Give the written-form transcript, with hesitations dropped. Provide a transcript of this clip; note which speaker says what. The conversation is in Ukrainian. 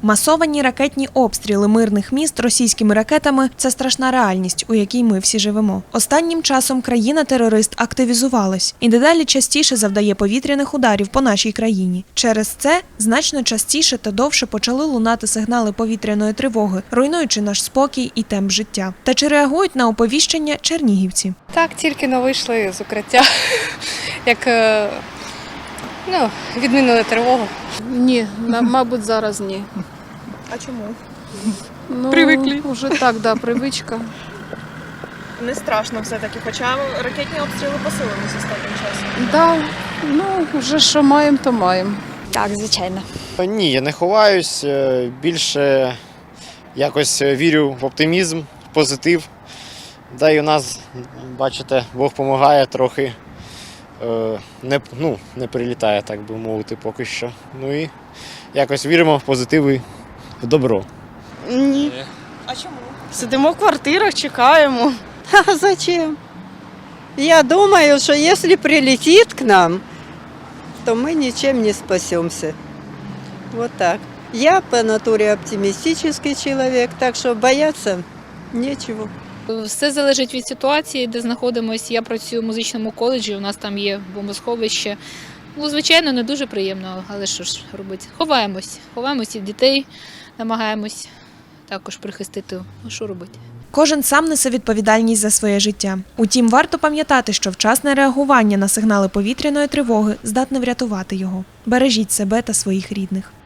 Speaker 1: Масовані ракетні обстріли мирних міст російськими ракетами – це страшна реальність, у якій ми всі живемо. Останнім часом країна-терорист активізувалась і дедалі частіше завдає повітряних ударів по нашій країні. Через це значно частіше та довше почали лунати сигнали повітряної тривоги, руйнуючи наш спокій і темп життя. Та чи реагують на оповіщення чернігівці?
Speaker 2: Так, тільки но вийшли з укриття, як відмінили тривогу.
Speaker 3: Ні, мабуть, зараз ні.
Speaker 1: А чому?
Speaker 3: Привикли. Вже так, да, привичка.
Speaker 1: Не страшно все-таки, хоча ракетні обстріли посилилися останнім часом.
Speaker 3: Да, вже що маємо, то маємо.
Speaker 4: Так, звичайно.
Speaker 5: Ні, я не ховаюсь, більше якось вірю в оптимізм, в позитив. Да і у нас, бачите, Бог допомагає трохи, не прилітає, так би мовити, поки що. Ну і якось віримо в позитив і в добро.
Speaker 6: Ні.
Speaker 1: А чому?
Speaker 6: Сидимо в квартирах, чекаємо. А зачем? Я думаю, что если прилетит к нам, то мы ничем не спасемся. Вот так. Я по натуре оптимистический человек, так что бояться нечего.
Speaker 7: Все залежить від ситуації, де знаходимося. Я працюю в музичному коледжі, у нас там є бомбосховище. Звичайно, не дуже приємно, але що ж робити? Ховаємось і дітей намагаємось також прихистити. Що робити?
Speaker 1: Кожен сам несе відповідальність за своє життя. Утім, варто пам'ятати, що вчасне реагування на сигнали повітряної тривоги здатне врятувати його. Бережіть себе та своїх рідних.